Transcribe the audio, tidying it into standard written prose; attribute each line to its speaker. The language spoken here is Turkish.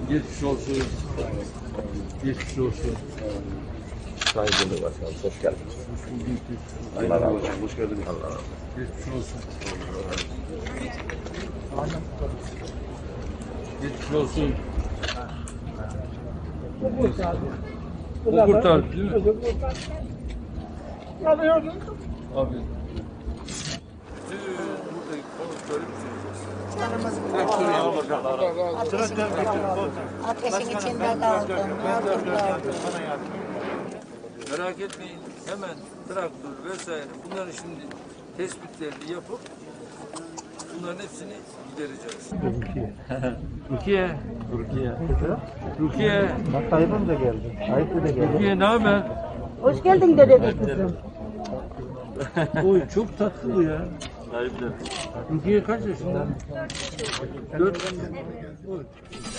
Speaker 1: Geçmiş olsun. Geçmiş olsun.
Speaker 2: Sayın Cumhurbaşkanım, hoş geldiniz. Allah razı olsun. Hoş geldiniz. Allah razı olsun.
Speaker 1: Geçmiş olsun. Geçmiş olsun. O kurtardı değil mi? Abi. Buradaki konukları
Speaker 3: Ateşin içinde kaldım.
Speaker 1: merak etmeyin. Hemen traktör vesaire bunların şimdi tespitlerini yapıp bunların hepsini gidereceğiz. Rukiye. Rukiye.
Speaker 4: Bak Tayyip'im de geldi. Tayyip de geldi.
Speaker 1: Rukiye ne haber?
Speaker 3: Hoş geldin dede kızım.
Speaker 1: Oy çok tatlı bu ya. Rukiye kaç yaşında? 4.